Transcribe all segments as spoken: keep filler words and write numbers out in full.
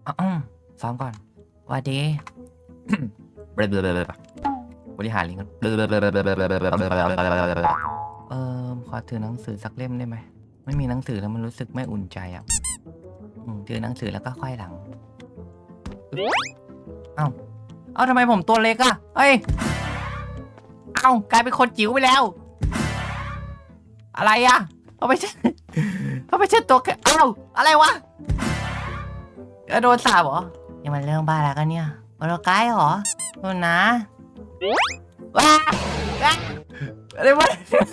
อ๋อซ้อมก่อนสวัสดีบริหารลิงก์เออขอถือหนังสือสักเล่มได้ไหมไม่มีหนังสือแล้วมันรู้สึกไม่อุ่นใจอ่ะอืมถือหนังสือแล้วก็ค่อยหลังเอ้าเอ้าทำไมผมตัวเล็กอะเอ้ยเอ้ากลายเป็นคนจิ๋วไปแล้วอะไรอะเขาไม่ใช่เขาไม่ใช่ตัวแค่เอ้าอะไรวะโดนสาบเหรอนี่มันเรื่องบ้าแล้วกันเนี่ยโปรไกด์เหรอโดนนะว้าอะไรวะ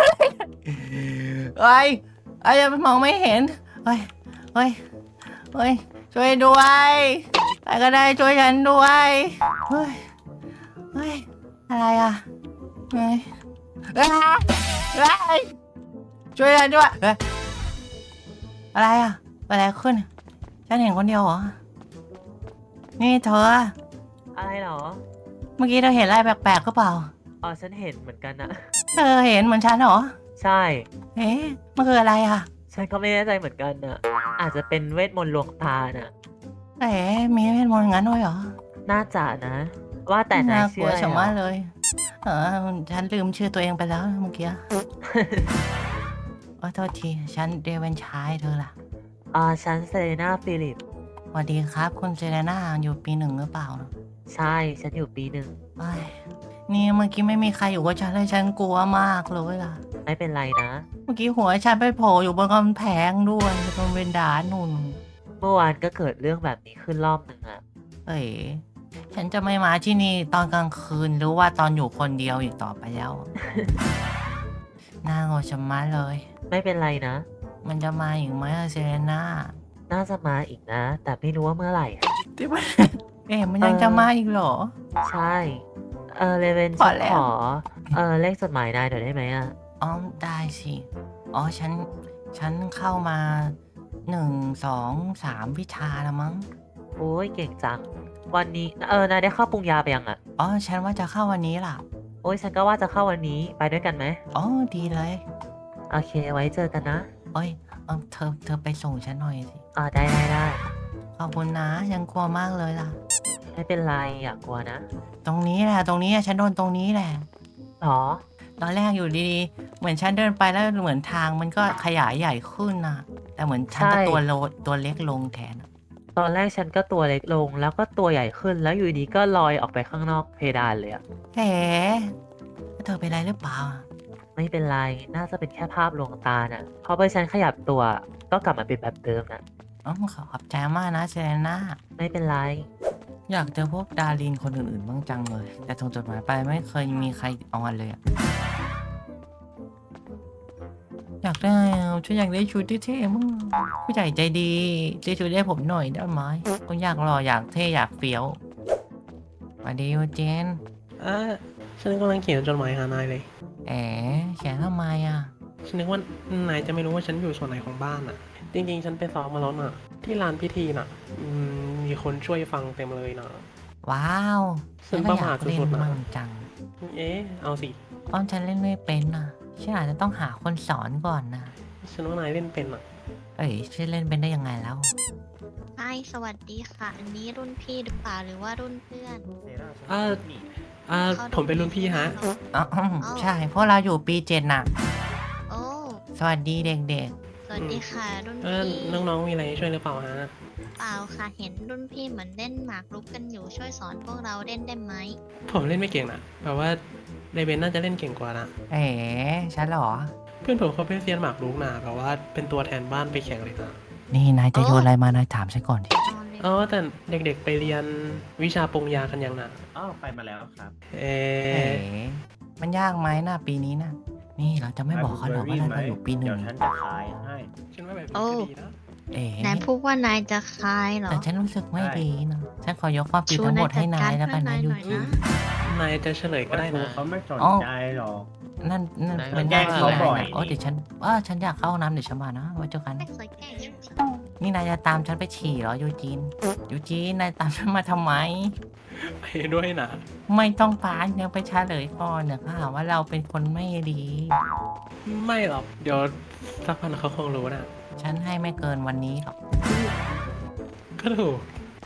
เฮ้ยไอ้ยังมองไม่เห็นเฮ้ยเฮ้ยเฮ้ยช่วยด้วยใครก็ได้ช่วยฉันด้วยเฮ้ยเฮ้ยอะไรอ่ะเฮ้ยเฮ้ยช่วยฉันด้วยเฮ้ยอะไรอ่ะอะไรขึ้นฉันเห็นคนเดียวเหรอนี่เธออะไรเหรอเมื่อกี้เธอเห็นอะไรแปลกๆก็เปล่าอ๋อฉันเห็นเหมือนกันนะเธอเห็นเหมือนฉันเหรอใช่เอ๊ะมันคืออะไรอ่ะฉันก็ไม่แน่ใจเหมือนกันนะอาจจะเป็นเวทมนต์ลวงตาน่ะเอ๊ะมีเวทมนต์งั้นด้วยเหรอน่าจะนะ ว่าแต่นายน่ากลัวชื่ออะไรเหรอชะมัดเลย เออฉันลืมชื่อตัวเองไปแล้วเมื่อกี้ขอโทษที ฉันเดวินชายเธอล่ะอ่าฉันเซเลนาฟิลิปสวัสดีครับ คุณเซเลน่าอยู่ปีหนึ่งหรือเปล่าใช่ ฉันอยู่ปีหนึ่งเอ้ยนี่เมื่อกี้ไม่มีใครอยู่กับฉันเลยฉันกลัวมากเลยล่ะไม่เป็นไรนะเมื่อกี้หัวฉันไปโผล่อยู่บนกำแพงด้วยบนเวนดานุ่นเมื่อวานก็เกิดเรื่องแบบนี้ขึ้นรอบหนึ่งอะเอ๋ฉันจะไม่มาที่นี่ตอนกลางคืนหรือว่าตอนอยู่คนเดียวอีกต่อไปแล้ว น่ากลัวชะมัดเลยไม่เป็นไรนะมันจะมาอีกไหมอะเซเลน่าน่าจะมาอีกนะ แต่ไม่รู้ว่าเมื่อไหร่อะที่มัน เอ๊ะมันยังจะมาอีกเหรอใช่ เออเลเวนพอฉันแล้ขวอ เออเลขจดหมายนายหน่อยได้ไหมอะอ๋อได้สิ อ๋อฉัน ฉันเข้ามาหนึ่งสองสามวิชาแล้วมั้งโอ้ยเก่งจัง วันนี้ เออนายได้เข้าปรุงยาไปยังอะอ๋อฉันว่าจะเข้าวันนี้ล่ะโอ้ยฉันก็ว่าจะเข้าวันนี้ไปด้วยกันไหมอ๋อดีเลยโอเคไว้เจอกันนะเอ้ยเออเธอเธอไปส่งฉันหน่อยสิอ่าได้ได้ได้ขอบคุณนะฉันกลัวมากเลยล่ะไม่เป็นไรอย่ากลัวนะตรงนี้แหละตรงนี้อะฉันโดนตรงนี้แหละหรอตอนแรกอยู่ดีๆ เหมือนฉันเดินไปแล้วเหมือนทางมันก็ขยายใหญ่ขึ้นนะแต่เหมือนฉันก็ใช่ตัวโลตัวเล็กลงแทนอะตอนแรกฉันก็ตัวเล็กลงแล้วก็ตัวใหญ่ขึ้นแล้วอยู่ดีก็ลอยออกไปข้างนอกเพดานเลยอะแหมเธอเป็นไรหรือเปล่าไม่เป็นไรน่าจะเป็นแค่ภาพลวงตาน่ะพอไปฉันขยับตัวก็กลับมาเป็นแบบเดิมนะอ๋อขอบใจมากนะเซเลน่าไม่เป็นไรอยากเจอพวกดารินคนอื่นๆบ้างจังเลย แต่ส่งจดหมายไปไม่เคยมีใครเอาอันเลยอะอยากได้อะฉันอยากได้ชุดที่เท่ๆมั้งผู้ใหญ่ใจดีซื้อชุดให้ผมหน่อยได้ไหมผมอยากหล่ออยากเท่อยากเฟี้ยวสวัสดียูเจนเออฉันกำลังเขียนจดหมายหานายเลยแอ๋เขียนทำไมอ่ะฉันนึกว่านายจะไม่รู้ว่าฉันอยู่ส่วนไหนของบ้านอ่ะ จริงๆ ฉันไปซ้อมมาแล้วน่ะ ที่ลานพิธีน่ะอืมมีคนช่วยฟังเต็มเลยนะว้าวฉันก็ประอยามาทกเล่นสุดๆนะมั่งจังเอ๊ะ เอาสิอ้อมฉันเล่นไม่เป็นอ่ะฉันอาจจะต้องหาคนสอนก่อนนะฉันว่านายเล่นเป็นอ่ะเอ้ยฉันเล่นเป็นได้ยังไงแล้วไอสวัสดีค่ะ อันนี้รุ่นพี่หรือเปล่าหรือว่ารุ่นเพื่อนเออเออผมเป็นรุ่นพี่ฮะอ๋ออืมใช่เพราะเราอยู่ปีเจ็ดน่ะโอ้สวัสดีเด็กสวัสดีค่ะ รุ่นเออพี่น้องๆ มีอะไรให้ช่วยหรือเปล่าฮะเปล่าค่ะ เห็นรุ่นพี่เหมือนเล่นหมากรุกกันอยู่ช่วยสอนพวกเราเล่นได้ไหมผมเล่นไม่เก่งนะแบบว่าเรเบนน่าจะเล่นเก่งกว่านะๆ เอ๋ฉันเหรอเพื่อนผมเขาเป็นเซียนหมากรุกนะแบบว่าเป็นตัวแทนบ้านไปแข่งเลยนะนี่นายจะโยนอะไรมานายถามฉันก่อนดินอนเลยอ๋อแต่เด็กๆ ไปเรียนวิชาปรุงยากันยังนะอ้าวไปมาแล้วครับเอเอ๋อมันยากไหมน่ะปีนี้น่ะ นี่เราจะไม่บอกเขาหรอกว่าเราอยู่ปีหนึ่เดี๋ยงวฉันจะขายให้ฉันว่าแบบนี้ก็ดีนะเอ๋นายพูดว่านายจะคลายเหรอแต่ฉันรู้สึกไม่ดีนะฉันขอยกความผิดชูทั้งหมดให้นายจัแล้วกันเพื่อนะหยูน่อยจีนะนายจะเฉลยก็ได้ครูนะเขาไม่สนใจหรอกนั่นนั่นนายเป็นแกล้งเขาบ่อยโอ้เดี๋ยวฉันว่าฉันอยากเข้าห้องน้ำเดี๋ยวฉันมานะไว้เจอกันไม่เคยแกล้งยังสินี่นายจะตามฉันไปฉี่เหรอยูจีนยูจีนนายตามฉันมาทำไมไปด้วยนะไม่ต้องปานยังไปเฉลยก่อนเดี๋ยวเขาหาว่าเราเป็นคนไม่ดีไม่หรอก เดี๋ยวสักพันเขาคงรู้นะฉันให้ไม่เกินวันนี้หรอกก็ถูก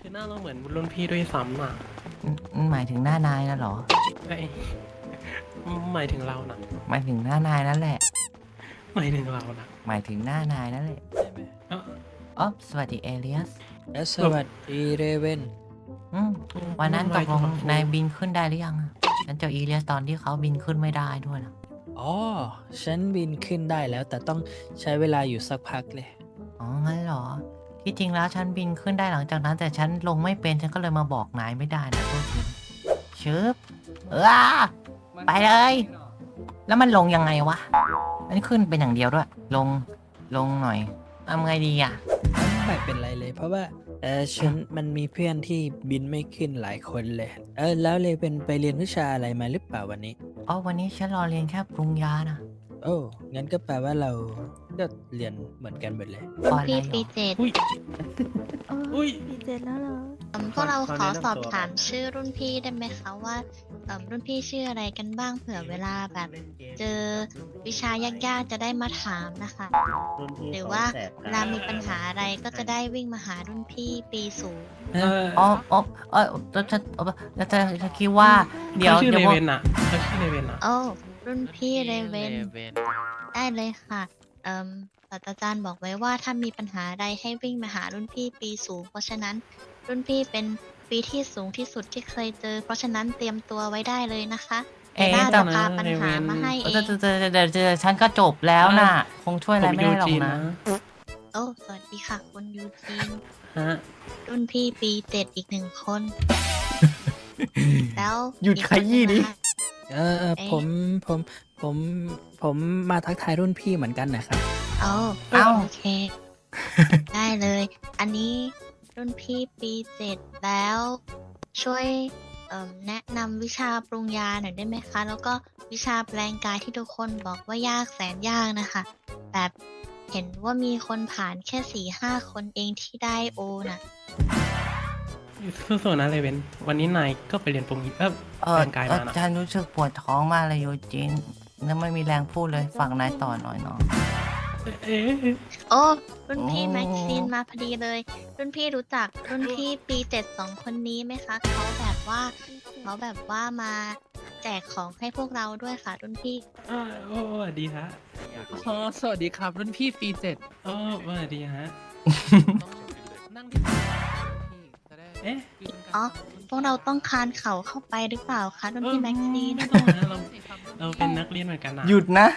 คือหน้าเราเหมือนรุ่นพี่ด้วยซ้ำน่ะอืมหมายถึงหน้านายนะเหรอไอ้ยหมายถึงเรานะหมายถึงหน้านายนั่นแหละหมายถึงเรานะหมายถึงหน้านายนั่นแหละเอ้าอ๋อสวัสดีเอเลียสและสวัสดีเรเวนอืมวันนั้นตกลงนายบินขึ้นได้หรือยังอะฉันเจอเอเลียสตอนที่เขาบินขึ้นไม่ได้ด้วยนะอ๋อ ฉันบินขึ้นได้แล้ว แต่ต้องใช้เวลาอยู่สักพักเลยอ๋องั้นเหรอ ที่จริงแล้วฉันบินขึ้นได้หลังจากนั้น แต่ฉันลงไม่เป็นฉันก็เลยมาบอกนายไม่ได้นะโทษทีชึบเออไปเลย แล้วมันลงยังไงวะมันขึ้นเป็นอย่างเดียวด้วย ลงลงหน่อยทำไงดีอ่ะไม่เป็นไรเลย เพราะว่าเออฉันมันมีเพื่อนที่บินไม่ขึ้นหลายคนเลย เออแล้วเรเวนไปเรียนวิชาอะไรมาหรือเปล่าวันนี้อ๋อวันนี้ฉันรอเรียนแค่ปรุงยานะโอ้ งั้นก็แปลว่าเราก็เรียนเหมือนกันหมดเลยรุ่นอะไรพี่หรอปีเจ็ดอุ้ย อุ้ยปีเจ็ดแล้วเหรอเอิ่มพวกเราขอสอบถามชื่อรุ่นพี่ได้ไหมคะว่าเอิ่มรุ่นพี่ชื่ออะไรกันบ้างเผื่อเวลาแบบ เจอวิชายากๆจะได้มาถามนะคะรุ่นพี่หรือเขว่าแสบเวลามีปัญหาอะไรก็จะได้วิ่งมาหารุ่นพี่ปีสูงเอออ๋ออ๋อเออแล้วจะแล้วจะจะคิดว่า เดี๋ยวเขาชื่อเดี๋เลยวเวนอะเขาชื่อเลเวนอะโอ้รุ่นพี่เรเวนได้เลยค่ะเอ่มศาสตราจารย์บอกไว้ว่าถ้ามีปัญหาใดให้วิ่งมาหารุ่นพี่ปีสูง เพราะฉะนั้นรุ่นพี่เป็นปีที่สูงที่สุดที่เคยเจอ เพราะฉะนั้นเตรียมตัวไว้ได้เลยนะคะเอ๊ะน่าแต่จะพาปัญหามาให้เอจะงจะจะจะจะจะฉันก็จบแล้วน่ะ คงช่วยอะไรไม่ได้หรอกนะโอ้สวัสดีค่ะคุณยูจีนฮะรุ่นพี่ปีเจ็ดอีกหนึ่งคน แล้วหยุดอีกขยี้ดิคนนะคะเออเออเอ๊ะผมผมผมผมมาทักทายรุ่นพี่เหมือนกันนะครับโอ้เอ้าโอเค ได้เลย อันนี้รุ่นพี่ปีเจ็ดแล้ว ช่วยเอิ่มแนะนำวิชาปรุงยาหน่อยได้ไหมคะ แล้วก็วิชาแปลงกายที่ทุกคนบอกว่ายากแสนยากนะคะ แบบเห็นว่ามีคนผ่านแค่สี่ห้าคนเองที่ได้โอน่ะสู้ๆนะเลเวนวันนี้นายก็ไปเรียนปรุงเออเอแปอลงกายเอมาอนะฉันรู้สึกปวดท้องมากเลยโยจินแล้วไม่มีแรงพูดเลยฝากนายต่อหน่อยเนาะเอ๊ะโอ้รุ่นพี่โอ้แม็กซีนมาพอดีเลย รุ่นพี่รู้จักรุ่นพี่ปีเจ็ดสองคนนี้ไหมคะเขาแบบว่าเขาแบบว่ามาแจกของให้พวกเราด้วยค่ะ รุ่นพี่อ่าโอ้สวัสดีฮะอ๋อสวัสดีครับ รุ่นพี่ปีเจ็ดโอ้สวัสดีฮะนั่งที่พี่จะได้เอ๊ะคุยกันอ๋อ พวกเราต้องคานเข่าเข้าไปหรือเปล่าคะรุ่นพี่แม็กซีนไม่ต้องนะเราเราเป็นนักเรียนเหมือนกันนะหยุดนะ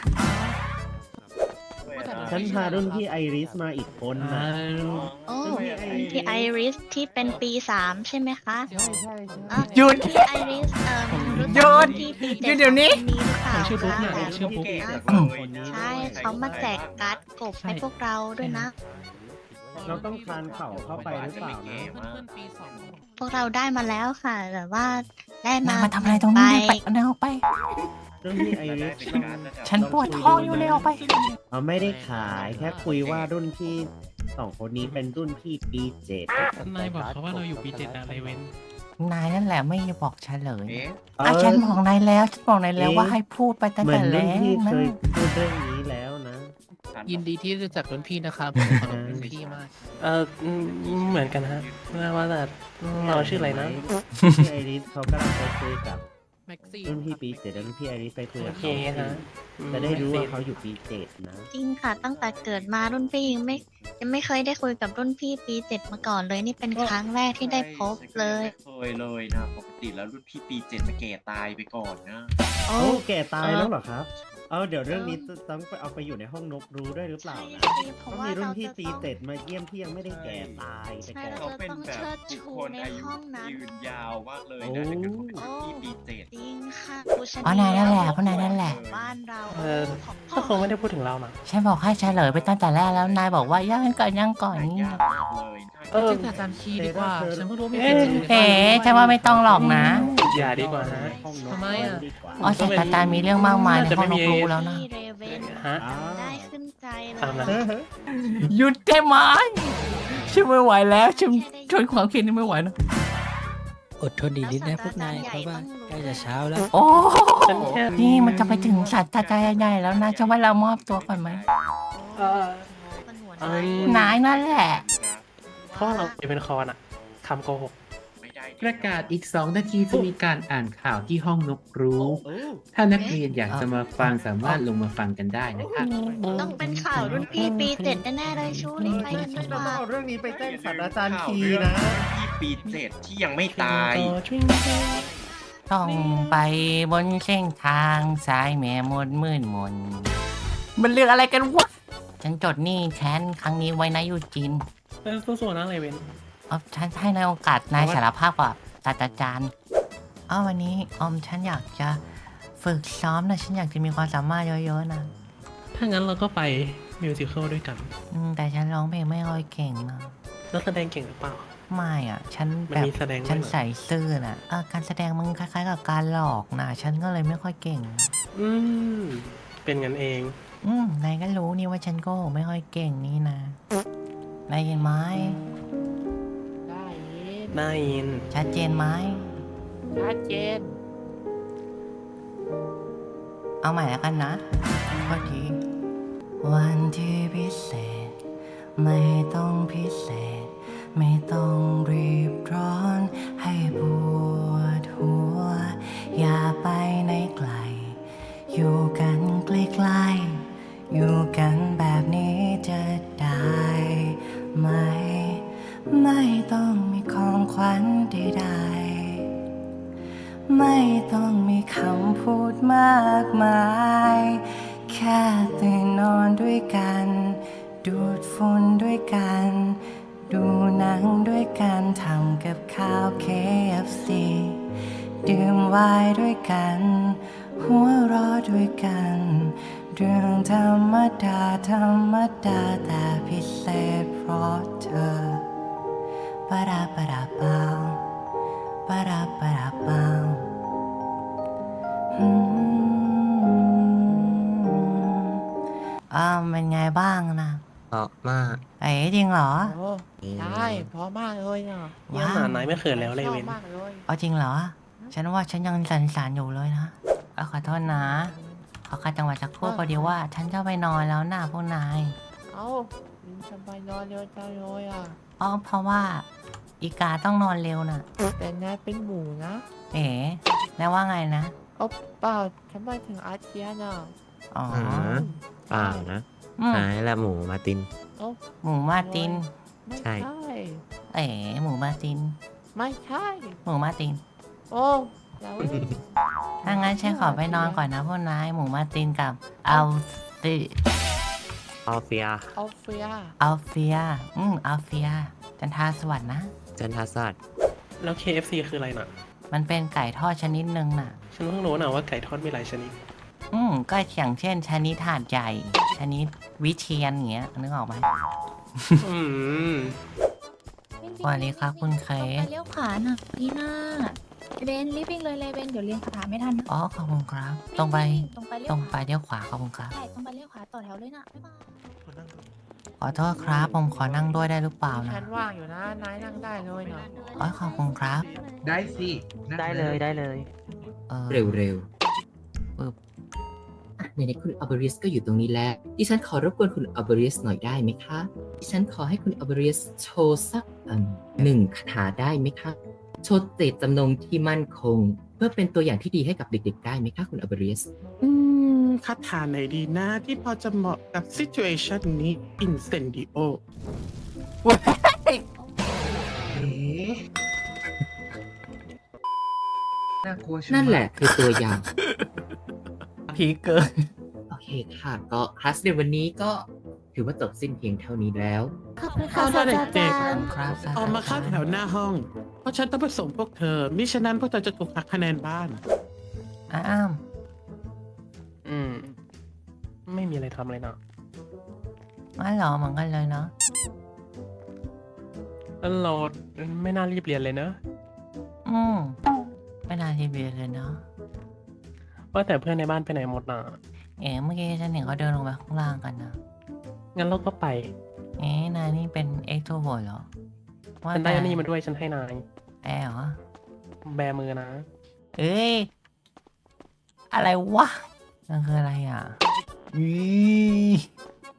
ฉันพารุ่นพี่ไอริสมาอีกคนอ่านะโอ้รุ่นพี่ไอริสที่เป็นปีสามใช่ไหมคะใช่ใช่ใช่อ่ะหยุดรุ่นพี่ไอริสเอ่อรู้หยุจักดรุ่นพี่ปีหยุเจ็ดดเดี๋ยวนี้สองคนนี้หรือเปล่าชื่อปุ๊กคะเนี่ยแบบชื่อปุ๊กใช่เขามาแจกการ์ดกบให้พวกเราด้วยนะเราต้องคลานเข่าเข้าไปหรือเปล่านะเพื่อนๆปีสองพวกเราได้มาแล้วค่ะแต่ว่าได้มานายมาทำอะไรตรงนี้เนี่ยไปเอานายออกไปรุ่นพี่ไอริสฉันปวดท้องอยู่เลยออกไปเราไม่ได้ขายแค่คุยว่ารุ่นพี่สองคนนี้เป็นรุ่นพี่ปีเจ็ดนายบอกเขาว่าเราอยู่ปีเจ็ดนะเลเวนนายนั่นแหละไม่บอกเฉลยเออ่ะอฉันบอกนายแล้ว ฉันบอกนายแล้วเอ๊ะว่าให้พูดไปตั้งเหมือแต่นแรรุ่นกพี่เคนะยพูดเรื่องนี้แล้วนะยินดีที่รู้จักรุ่นพี่นะครับผมเคารพรุ่นพี่มากเอออืมเหมือนกันฮะว่าแต่เราชื่ออะไรนะพี่ไอริสเขากำลังไปคุยกับแม็กซี่รุ่นพี่ปีเจ็ดแล้วรุ่นพี่ไอริสไปคุยโอกับเคเขาฮะจะได้รู้ว่าเขาอยู่ปีเจ็ดนะจริงค่ะ ตั้งแต่เกิดมารุ่นพี่ยังไม่ยังไม่เคยได้คุยกับรุ่นพี่ปีเจ็ดมาก่อนเลยนี่เป็นครั้งแรกที่ได้พบเลยไม่เคยเลยนะปกติแล้วรุ่นพี่ปีเจ็ดจะแก่ตายไปก่อนนะโอ้โอ้แก่ตายแล้วเหรอครับ เอาเดี๋ยวเรื่องนี้จะต้องไปเอาไปอยู่ในห้องนกรู้ด้วยหรือเปล่าใช่นะสิเพต้อราะงว่ามีรุ่นเราพี่จะตีต้องเจ็ดมาเยี่ยมที่ยังไม่ได้แก่ตายแต่ใช่แก่เราเขาจะเป็นต้องแบบเชิดบุคชูคลในอายุห้องนั้นยืนยาวมากเลยนะถ้าเกิดเขาเป็นรุ่นพี่ปีเจ็ดจริงค่ะผู้ชอ๋อนายนั่นแหละเพราะนายนั่นแหละบ้านเราเออเขาคงไม่ได้พูดถึงเรานะฉันบอกให้เฉลยไปตั้งแต่แรกแล้ว นายบอกว่าย่างก่อนย่างก่อนนี่ยากมากเลยเออชื่ออาจารย์คีดีกว่า ฉันเพิ่งรู้ว่ามีเอ๊ะปีเจ็ดอยู่ในเอ๋บ้านฉันว่าไม่ต้องหรอกนะอย่าดีกว่าฮะห้องนกทำไมอะดีกว่าอ๋อศาสตราจารย์มีเรื่องมากมายในน่าจะห้องนไม่กมีรู้แล้วนะพี่เรเวนฮะอ้าวได้ขึ้นใจเลตามนั้นยหยุดได้ไหมฉันไม่ไหวแล้วฉันทนความคิดนี้ไม่ไหวนะอดทนดีนิดนะพวกนาย เพราะว่าใกล้จะเช้าแล้วโอ้ฉันแค่นี่มันจะไปถึงสัตว์ตาใจใหญ่แล้วนะจะว่าเรามอบตัวก่อนไหมเออคนหัวเอใจอนายนั่นแหละเพราะเราเป็นคอนอ่ะ ขำโกหกไม่ได้ประกาศอีกสองนาทีจะมีการอ่านข่าวที่ห้องนกรู้ ถ้านักเรียนอยากจะมาฟังสามารถลงมาฟังกันได้นะครับต้องเป็นข่าวรุ่นพี่ปีเจ็ดแน่ๆเลยชูรีบไปกันดีกว่าเอาเรื่องนี้ไปแจ้งศาสตราจารย์ข่าวคีเรื่องนะพี่ปีเจ็ดที่ยังไม่ตายต้องไปบนเส้นทางสายแม่มดมืดมน มันเรื่องอะไรกันวะ ฉันจดหนี่แค้นครั้งนี้ไว้นะยูจินเออสู้ๆนะเลเวนเอาฉันให้ในโอกาสนายสารภาพกับศาสตราจารย์เอาวันนี้ออมฉันอยากจะฝึกซ้อมนะฉันอยากจะมีความสามารถเยอะๆนะถ้างั้นเราก็ไปมิวสิควลด้วยกันอืมแต่ฉันร้องเพลงไม่ค่อยเก่งนะแล้วแสดงเก่งหรือเปล่าไม่อ่ะ ฉันมันแบบมีแสดงด้วยเหรอฉันใส่ซื่อน่ะเออการแสดงมันคล้ายๆกับการหลอกนะฉันก็เลยไม่ค่อยเก่งอืม เป็นงั้นเองอืมนายก็รู้นี่ว่าฉันโก็ไม่ค่อยเก่งนี่นะนายเห็นไหมได้ยินได้ยินชัดเจนไหมชัดเจนเอาใหม่แล้วกันนะโทษทีวันที่พิเศษ ไม่ต้องพิเศษ ไม่ต้องรีบร้อนให้ปวดหัว อย่าไปไหนไกล อยู่กันใกล้ๆอยู่กันแบบนี้จะได้ไหม ไม่ต้องมีของขวัญใดๆไม่ต้องมีคำพูดมากมาย แค่ตื่นนอนด้วยกัน ดูดฝุ่นด้วยกัน ดูหนังด้วยกันทำกับข้าว เค เอฟ ซี ดื่มไวน์ด้วยกัน หัวเราะด้วยกัน เรื่องธรรมดาธรรมดาแต่พิเศษเพราะเธอปะราปะราเปาปะราปะราเปาอืมอ้าวเป็นไงบ้างนะเพราะมากเอ๋จริงเหรอโอ้ใช่เพราะมากเลยเนาะเยี่ยมหนานายไม่เขินแล้วเลชอเวบนมากเลยเอาจริงเหรอ ฉันว่าฉันยังสันสานอยู่เลยนะเอาขอโทษนะ ขอขัดจังหวะสักครู่พอดีว่า ฉันจะไปนอนแล้วนะพวกนายเอ้าทำไมนอนเร็วจังเลยอ่ะอ๋อเพราะว่า อีกาต้องนอนเร็วน่ะแต่นายเป็นหมูนะเอ๋แล้วว่าไงนะเอาเปล่าฉันไม่ถึงอาเจียนอ่ะอ๋อเปล่านะอืมนายและหมูมาตินเอ้าหมูมาตินไม่ใช่ใช่เอ๋หมูมาตินไม่ใช่หมูมาตินโอ้แล้วถ้างั้นฉันขอไปนอนก่อนนะพวกนาย หมูมาตินกับอัลฟิออฟเฟียเอาเฟียอัลเฟีย อืมอัลเฟีย จันทาสวัสดนะจันทาสัตแล้ว เค เอฟ ซี คืออะไรน่ะมันเป็นไก่ทอดชนิดหนึ่งน่ะฉันเพิ่งรู้นะว่าไก่ทอดมีหลายชนิดอืมก็อย่างเช่น ชนิดถาดใหญ่ ชนิดวิเชียนอย่างเงี้ยนึกออกไหมอืมสวัสดีครับคุณเคตรงไปสเลี้ยวขวาน่ะพี่หน้าเบนรีบวิ่งเลยเลยเบนเดี๋ยวเรียนคาถาไม่ทันนะอ๋อขอบคุณครับ ตรงไปตรงไปเลี้ตยรวงไปเลี้ยวขวาขอบคุณครับใช่ตรงไปเลี้ยวขวาต่อแถวเลยนะบ๊ายบายขอโทษครับ ผมขอนั่งด้วยได้หรือเปล่านะฉันว่างอยู่นะ นายนั่งได้เลยเนาะอ๋อขอบคุณครับได้สิได้เลยได้เลยเออเร็วเร็วปึ๊บอ่ะไหนๆคุณอัลเบริสก็อยู่ตรงนี้แล้ว ดิฉันขอรบกวนคุณอัลเบริสหน่อยได้ไหมคะ ดิฉันขอให้คุณอัลเบริสโชว์สักอืมหนึ่งคาถาได้ไหมคะ โชว์เจตจำนงที่มั่นคง เพื่อเป็นตัวอย่างที่ดีให้กับเด็กๆได้ไหมคะคุณอัลเบริสอืมคาถาไหนดีนะที่พอจะเหมาะกับซิจูเอชันนี้ Incendio น่ากลัวนั่นแหละคือตัวอย่างผีเกินโอเคค่ะ ก็คลาสในวันนี้ก็ถือว่าจบสิ้นเพียงเท่านี้แล้วขอบคุณเอาค่ะละศาสตราเด็จาก รย์ครับๆ ออกมาเข้าแถวหน้าห้อง เพราะฉันต้องไปส่งพวกเธอ มิฉะนั้นพวกเธอจะถูกหักคะแนนบ้านอ้ามอืม ไม่มีอะไรทำเลยนะงั้นเหรอเหมือนกันเลยเนาะแล้วเราไม่น่ารีบเรียนเลยเนอะอืมไม่น่าทีเบียเลยเนาะว่าแต่เพื่อนในบ้านไปไหนหมดน่ะเอ๋เมื่อกี้ฉันเห็นเขาเดินลงไปข้างล่างกันนะงั้นเราก็ไปเอ๊ะนายนี่เป็นเอ็กโทรเวิร์ดเหรอ ว่าฉันได้แต่อันนี้มาด้วยฉันให้นายแอร์เหรอแบมือนะเอ้ย อะไรวะนั่นคืออะไรอ่ะอี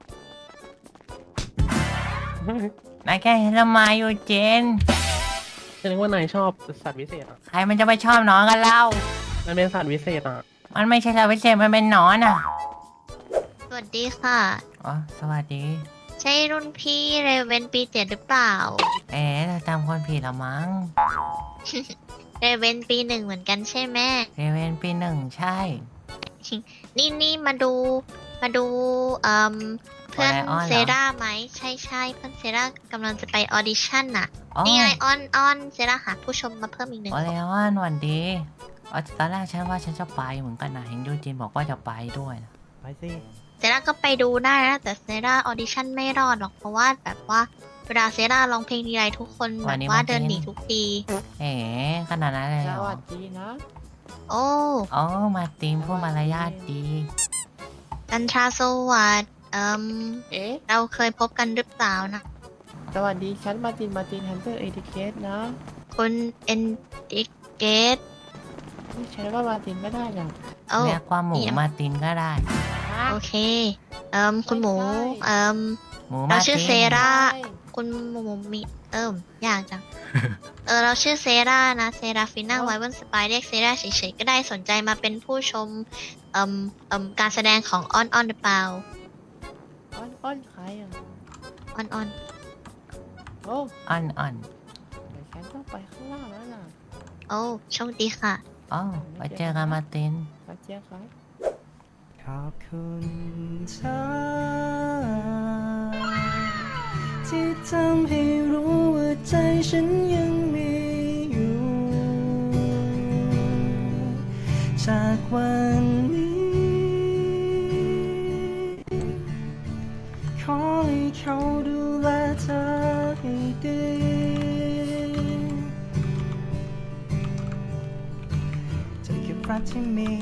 นายแกล้งฉันทำไมอยู่เจนฉันนึกว่านายชอบสัตว์วิเศษอ่ะใครมันจะไปชอบหนอนกันเล่ามันเป็นสัตว์วิเศษอ่ะมันไม่ใช่สัตว์วิเศษมันเป็นหนอนอ่ะสวัสดีค่ะอ๋อสวัสดีใช่รุ่นพี่เรเวนปีเจ็ดหรือเปล่าเอ๊ะเราจำคนผิดละมั้งเรเวนปีหนึ่งเหมือนกันใช่ไหมเรเวนปีหนึ่งใช่นี่นี่มาดูมาดูเอ่มเพื่อนโอไลออนเหรอเซราไหมใช่ใช่เพื่อนเซรากำลังจะไปออดิชั่นน่ะอ๋อนี่ไงออนออนเซราหาผู้ชมมาเพิ่มอีกหนึ่งโอเลออนวันดีอ๋อตอนแรกฉันว่าฉันจะไปเหมือนกันนะเห็นยูจินบอกว่าจะไปด้วยนะไปสิเซราก็ไปดูได้นะแต่เซราออดิชั่นไม่รอดหรอกเพราะว่าแบบว่าเวลาเซราร้องเพลงทีไรทุกคนแบบว่าเดินหนีทุกทีเอ๋ขนาดนั้นเลยเหรอโอ้อ๋อมาร์ตินพูดมารยาทดีจันทราสวัสดิ์เอ่มเอ๊ะเราเคยพบกันหรือเปล่านะสวัสดีฉันมาตินมาตินฮันเตอร์เอทิเคสนะคุณเอนดิเกตฉันว่ามาตินไม่ได้หรอกโอ้เรียกว่าหมูนี่นะมาร์ตินก็ได้โอเค เอ่มคุณหมู เอ่มหมูเรามาร์ตินชื่อเซราคุณหมูมี เอิ่มยากจัง เออ เราชื่อเซรานะ เซราฟิน่าไวเวนสปายเรียกเซราเฉยๆ ก็ได้สนใจมาเป็นผู้ชม เอ่มเอ่มการแสดงของออนออนหรือเปล่าอ้อนอ้อนใครอ่ะออนออนโอ้อ่อนอ่อนฉันต้องไปข้างล่างแล้วล่ะโอ้โชคดีค่ะอ๋อไปเจอกันมาร์ตินไปเจ้าครับขอบคุณเธอที่ทำให้รู้ว่าใจฉันยังมีอยู่ จากวันนี้ขอให้เขาดูแลเธอให้ดีจะเก็บรักที่มี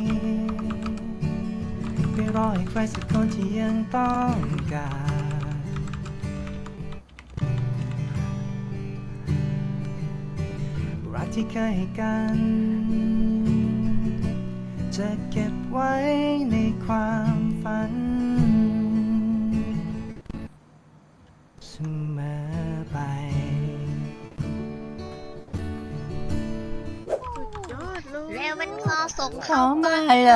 ไม่รอให้ใครสักคนที่ยังต้องการรักที่เคยให้กัน จะเก็บไว้ในความฝันเสมอไปเรวันคอส่งเขาเข้ามาเลย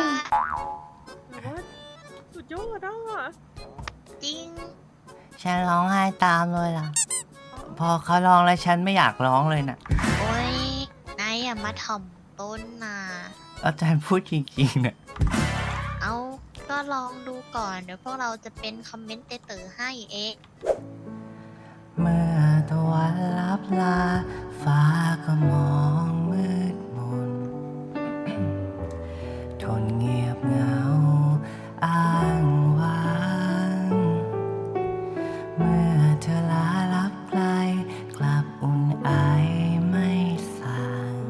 สุดยอดอ่ะจริงฉันร้องไห้ตามเลยล่ะ พอเขาร้องแล้วฉันไม่อยากร้องเลยน่ะโอ้ยนายอย่ามาถ่อมต้นนะอาจารย์พูดจริงๆน่ะเอาก็ลองดูก่อน เดี๋ยวพวกเราจะเป็นคอมเมนเตเตอร์ให้เองเมื่อตะวันลับลา ฟ้าก็มองมืดมน ทนเงียบเหงาอ้างว้าง เมื่อเธอลาลับไกล กลับอุ่นไอไม่สาง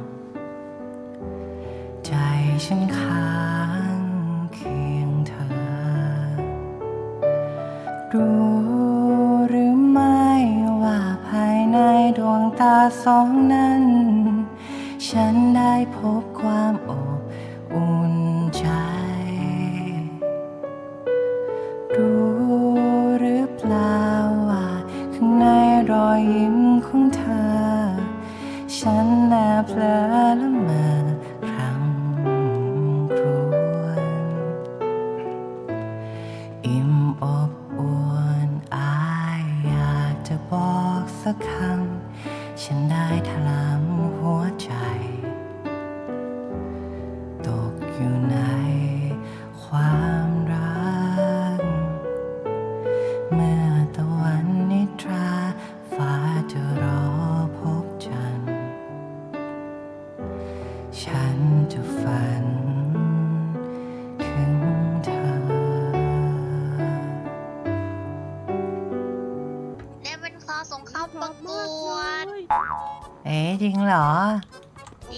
ใจฉันค้างเคียงเธอ รู้หรือไม่ว่าภายในดวงตาสองนั้น ฉันได้พบความอบอุ่นใจ รู้หรือเปล่าว่าข้างในรอยยิ้มของเธอ ฉันแอบเผลอละเมอครำครวญอิ่มอบอวนอายอยากจะบอกสักคำ ฉันได้ถลำหัวใจ ตกอยู่ในความรัก เมื่อตะวันนิทรา ฟ้าจะรอพบจันทร์ ฉันจะฝันถึงเธอเรวันคอส่งเข้าประกวดเอ๊ะจริงเหรอดี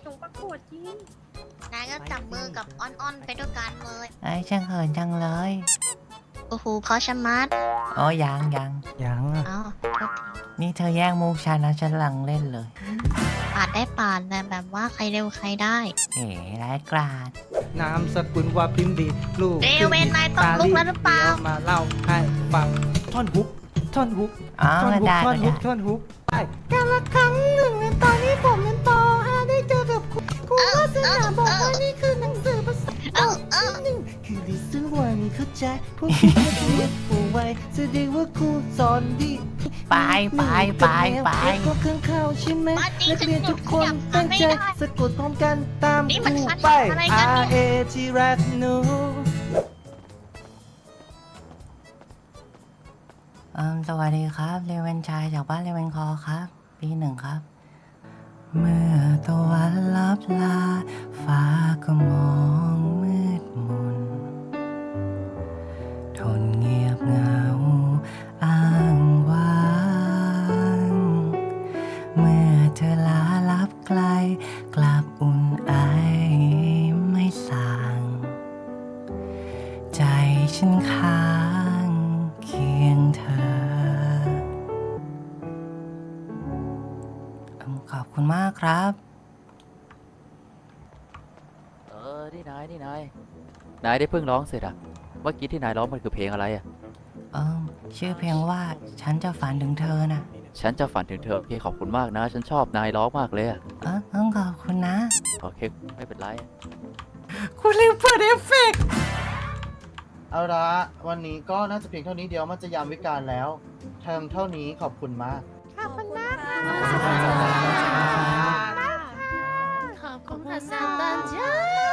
นายก็จับมือกับออนออนไปด้วยกันเลยไอ้ช่างเขินจังเลยโอ้โหเพราะชะมัดอ๋อยังยังอย่างอ่ะเอ้าโทษทีนี่เธอแย่งมุกฉันนะฉันกำลังเล่นเลยปาดได้ปาดแต่แบบว่าใครเร็วใครได้เอ๋ร้ายกราดนามสกุลว่าพิมพ์ดี ลูกเรเวนนายต้องลุกแล้วหรือเปล่าดี๋ยวมาเล่าให้ฟังท่อนฮุกท่อนฮุกอ๋อท่อนก็ฮุกได้ท่อก็นฮุได้กท่อนฮุกไปกันละครั้งหนึ่งตอนนี้ผมเป็นปห้าได้เจอกับคุณครูวาสนาบอกว่านี่คือหนังสือภาษาเอ้าเอ้าหนึ่งคือ listen one เข้าใจพวกคุณก็ดีผู้ไวแสดงว่าครูสอนดีไปไปไปไปก็เครื่องเข้าใช่ไหมมาจริงนักเรียนทุกคนฉันตั้งไม่ใจได้สะกดพร้อมกันตามนี่คมันรูคาถาไปอะไรกันเนี่ย R A T รักหนูอืมสวัสดีครับเรเวนชายจากบ้านเรเวนคอครับ ปีหนึ่งครับ เมื่อตะวันลับลาฟ้าก็มองมืดมน ทนเงียบเหงาอ้างว้าง เมื่อเธอลาลับไกล กลับอุ่นไอไม่สาง ใจฉันค้างเคียงเธอ ขอบคุณมากครับเออที่นายที่นายนายได้เพิ่งร้องเสร็จอะเมื่อกี้ที่นายร้องมันคือเพลงอะไรอะเออชื่อเพลงว่าฉันจะฝันถึงเธอนะฉันจะฝันถึงเธอโอเคขอบคุณมากนะ ฉันชอบนายร้องมากเลยอะเออต้องขอบคุณนะโอเคไม่เป็นไรคุณลืมเปิดเอฟเฟกต์เอาละวันนี้ก็น่าจะเพียงเท่านี้เดียวมันจะยามวิกาลแล้วเทอมเท่านี้ขอบคุณมากขอบคุณมากค่ะขอบคุณค่ะซาตันจ้า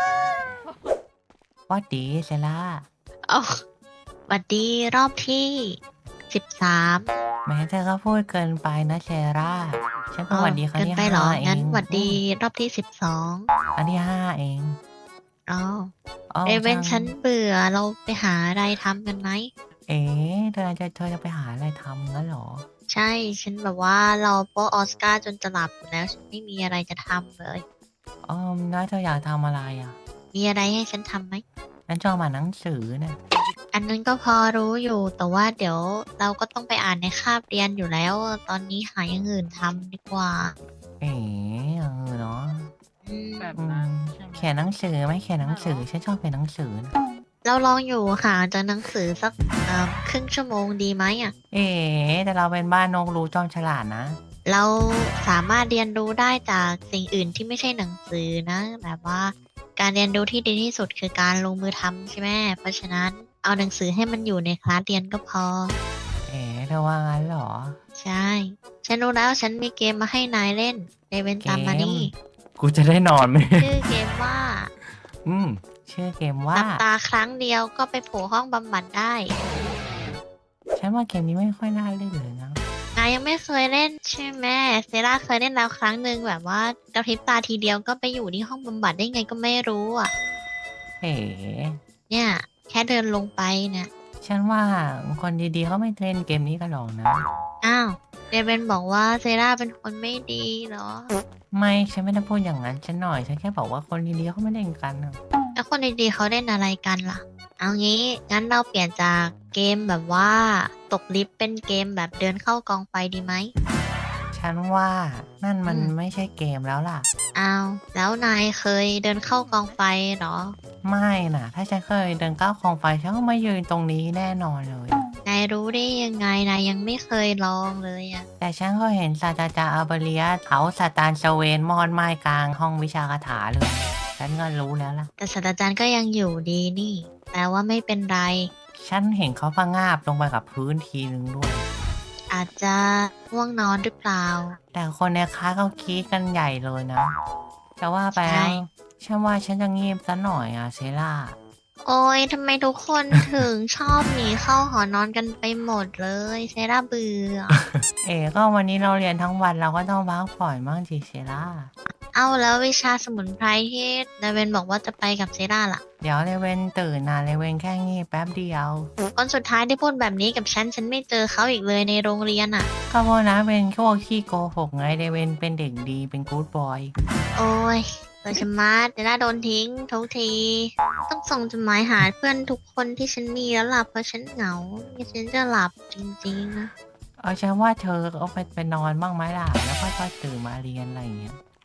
ว่าดีเซล่าเอาหวัดดีรอบที่สิบสามแม้เธอก็พูดเกินไปนะเซร่า ฉันเป็นหวัดดีครั้งเกินที่ไปห้าเหรอเองงั้นหวัดดีรอบที่สิบสองอันที่ห้าเองอ๋ออ๋อเรเวนจังฉันเบื่อเราไปหาอะไรทำกันไหมเอ๋เธอจะเธอจะไปหาอะไรทำงั้นเหรอใช่ ฉันแบบว่าเราโป๊ออสการ์จนจะหลับอยู่แล้ว ฉันไม่มีอะไรจะทำเลยอ๋อแล้วเธออยากทำอะไรอ่ะมีอะไรให้ฉันทำไหมฉันชอบอ่านหนังสือนะอันนั้นก็พอรู้อยู่ แต่ว่าเดี๋ยวเราก็ต้องไปอ่านในคาบเรียนอยู่แล้ว ตอนนี้หาอย่างอื่นทำดีกว่าเอ๋เออเนาะอืมอืมเขียนหนังสือไหม่เขียนหนังสือ ฉันชอบเขียนหนังสือนะเราลองอยู่หาจากหนังสือสักเอ่อครึ่งชั่วโมงดีไหมอ่ะเอ๋แต่เราเป็นบ้านนกรู้จอมฉลาดนะเราสามารถเรียนรู้ได้จากสิ่งอื่นที่ไม่ใช่หนังสือนะ แบบว่าการเรียนรู้ที่ดีที่สุดคือการลงมือทำใช่ไหมเพราะฉะนั้นเอาหนังสือให้มันอยู่ในคลาสเรียนก็พอเอ๋เธอว่างั้นเหรอใช่ ฉันรู้แล้วฉันมีเกมมาให้นายเล่นเรเวนตามมานี่กูจะได้นอนไหมชื่อเกมว่าอืม ชื่อเกมหว่าลับตาครั้งเดียวก็ไปโผล่ห้องบำบัดได้ฉันว่าเกมนี้ไม่ค่อยน่าเล่นเลยนะนายยังไม่เคยเล่นใช่ไหมเซราเคยเล่นแล้วครั้งหนึ่งแบบว่ากระพริบตาทีเดียวก็ไปอยู่ที่ห้องบำบัดได้ไงก็ไม่รู้อ่ะเอ๋เนี่ย แค่เดินลงไปเนี่ยฉันว่าคนดีๆเขาไม่เล่นเกมนี้กันหรอกนะอ้าวเดเวนบอกว่าเซราเป็นคนไม่ดีเหรอไม่ ฉันไม่ได้พูดอย่างนั้น ฉันหน่อย ฉันแค่บอกว่าคนดีๆเขาไม่เล่นกันนะแล้วคนดีๆเขาเล่นอะไรกันล่ะ เอางี้ งั้นเราเปลี่ยนจากเกมแบบว่าตกลิฟต์เป็นเกมแบบเดินเข้ากองไฟดีไหมฉันว่านั่นมันอืมไม่ใช่เกมแล้วล่ะอ้าว แล้วนายเคยเดินเข้ากองไฟเหรอไม่นะถ้าฉันเคยเดินก้าวคองไฟฉันก็ไม่ยืนตรงนี้แน่นอนเลยนายรู้ได้ยังไง นายยังไม่เคยลองเลยอะแต่ฉันก็เห็นศาสตราจารย์อาเบเรียสเขาสตานสเวนมอนไม้กลางห้องวิชาคาถาเลย ฉันก็รู้แล้วล่ะแต่ศาสตราจารย์ก็ยังอยู่ดีนี่ แปลว่าไม่เป็นไรฉันเห็นเขาพังงาบลงไปกับพื้นทีนึงด้วยอาจจะง่วงนอนหรือเปล่าแต่คนในคลาสเขาคีดกันใหญ่เลยนะ แต่ว่าไปใช่แล้วฉันว่าฉันจะงีบซะหน่อยอะเซล่าโอ้ยทำไมทุกคนถึงชอบหนีเข้าหอนอนกันไปหมดเลยเซราเบื่อเอ๋ก็วันนี้เราเรียนทั้งวันเราก็ต้องพักผ่อนบ้างสิเซล่าเอาแล้ววิชาสมุนไพรที่ดาเวนบอกว่าจะไปกับเซราล่ะเดี๋ยวเลเวนตื่นนะเลเวนแค่งีบแป๊บเดียวคนสุดท้ายที่พูดแบบนี้กับฉัน ฉันไม่เจอเขาอีกเลยในโรงเรียนอ่ะก็เพราะนะเป็นพวกขี้โกหกไงเลเวนเป็นเด็กดีเป็นกู๊ดบอยโอ้ยโดยชะมัดเซราโดนทิ้งทุกที ต้องส่งจดหมายหาเพื่อนทุกคนที่ฉันมีแล้วล่ะเพราะฉันเหงาไม่ฉันจะหลับจริงๆนะเอาฉันว่าเธอเอาไปไปนอนบ้างไหมล่ะ แล้วค่อยๆตื่นมาเรียนอะไรอย่างเงี้ย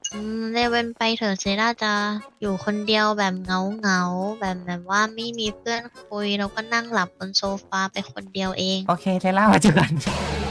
อืมเลเวนไปเถอะเซราจะอยู่คนเดียวแบบเหงาเหงาๆแบบแบบว่าไม่มีเพื่อนคุยแล้วก็นั่งหลับบนโซฟาไปคนเดียวเองโอเคเทล่ามาเจอกัน